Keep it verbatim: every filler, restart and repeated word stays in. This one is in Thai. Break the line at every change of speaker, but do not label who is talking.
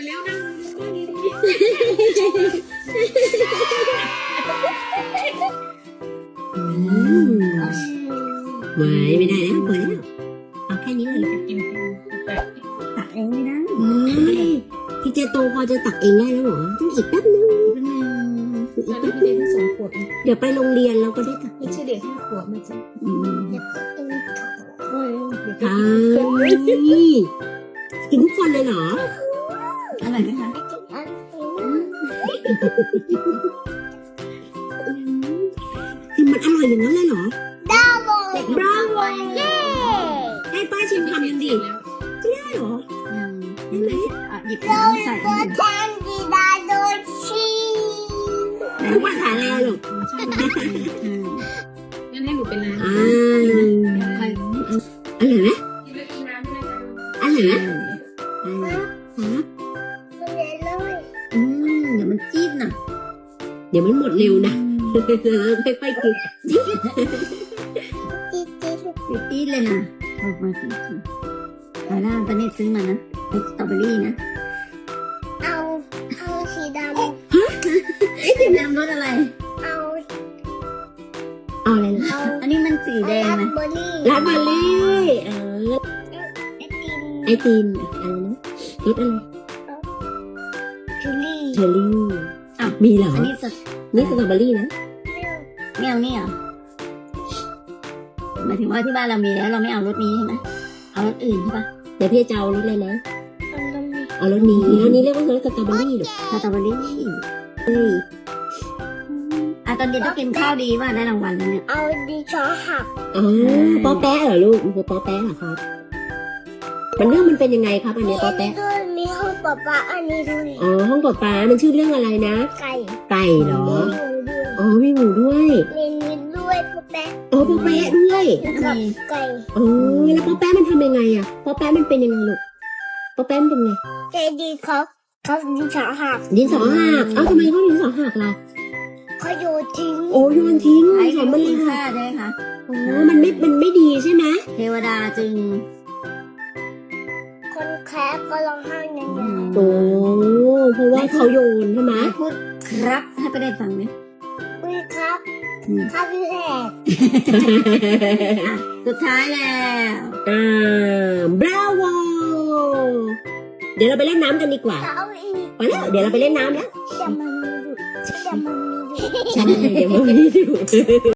แล้วนั่งนั่งดี
อืมไว้ไม่ได้แล้วพอแล้วเอาแค่นี้เลย
กินแต่
ตักเองไม่ได้
เฮ้ยพี่เจโตพอจะตักเองได้แล้วเหรอต้องอีกแป๊บนึงอีก
ตอน
แป๊
นี้
บ
พี่
นึ ง
เด็กสองขวบ
เดี๋ยวไปโรงเรียนเราก็ได้ตัก
ไม่ใช่เด็กห้าขวบมันจะ
อืม
โอ้ยเดี๋ยว
ใช่
จะกิน
กินทุกคนเลยเหรอ
อร่อยไหมคะ
คือมันอร่อยอย่างนั้นเลยเหรอ
บราโว
เย้ให้ป้าชิมทำยังดิ
แล้ว
ได้เหรอ
ยังได้ไหมอ่ะหยิบน้ำใส่ให้
ไหนว่าทานแล้วลูก
ใช่
อืม
งั้นให้หนูเป็นร้าน
อ่า
ใคร
อร่อยไหม
กินแล้วกินน้ำด้วยนะ
อร่อยไหม
อืม
อร่อยครับ
อืมเดี๋ยวมันจี๊ดน่ะ
เดี๋ยวมันหมดเร็วนะเราค่อยๆกิน
จี๊ดเลยนะออกมาสิฮาร่าตอนนี้ซื้อมานะเป็นสตรอเบอรี่นะ
เอาเอาสีดำ
เอ๊ะสีดำรสอะไร
เอา
เอาอะไรนะ
เอา
อันนี้มันสีแดง
ราส
นะ
เบอร์รี่
ลาบาเล่เออ
ไอติม
ไอติมอะไรนะรสอะไร
ชูรี่
เชอร์รี่
อ้าว
มีเหรอ
อันนี้สด
นี่สตรอเบอรี่นะ
ไม่เอานี่เหรอหมายถึงว่าที่บ้านเรามีแล้วเราไม่เอารสนี้ใช่ไหมเอารสอื่นใช่ปะ
เดี๋ยวพี่จะเอารสอะไรนะ
เอาน้ำมี
เอารสนี้รสนี้เรียกว่ารสสตรอเบอรี่หรอ
สตรอเบอรี่
เอ้ย
อ่ะตอนเย็นต้องกินข้าวดีว่าได้รางวัลแล้วเนี่ย
เอาดิชอหัก
อ๋อป๊อแป๊ะเหรอลูกมันคือป๊อแป๊ะเหรอครับ มันเรื่องมันเป็นยังไงครับอัน
มี
เนี้ยป๊อ
อันนี้
แป๊ะ
ด้วยมีห้องปะปะอันนี้ด้วย
อ๋อห้องปลาปลามันชื่อเรื่องอะไรนะ
ไก่
ไก่เหรอ
มีหมูด้วย
อ๋อมีหมูด้วย
มีนิดด้วยปะแปะ
อ๋อป๊อแป๊ะด้วย
แล้วก็ไก่
อ๋อแล้วป๊อแป๊ะมันทำยังไงอะป๊อแป๊ะมันเป็นยังไงลูกป๊อแป๊ะมันเป็นไง
ใจดีเขาเขาดิชอหัก
ดินสอหักเอ้าทำไมเขาดินสอหักล่ะ
เขาโยนทิ้ง
โอ้โยนทิ้ง
ใช้
สอน
มั
มัน นเล
มี
ย
ค่า
ค่ะ
ใช่ไหมคะ
โอ้มันไม่มันไม่ดีใช่ไหม
เทวดาจึง
คนแคร์ก็ร้องไห้อย่างเงี้ย
โอ้เพราะว่าเขาโยนใช่ไหม
พูดครับให้ไปได้ฟังไหม
อุ้ยครับ
อืม
ครับพี่แหก
สุดท้ายแล้ว
อ่าบราโวเดี๋ยวเราไปเล่นน้ำกันดีกว่า
เอาอีก
ไปแล้วเดี๋ยวเราไปเล่นน้ำแล้ว
จะมันมีดุจะมันมีดุ
ใช่เดี๋ยวมันมีดู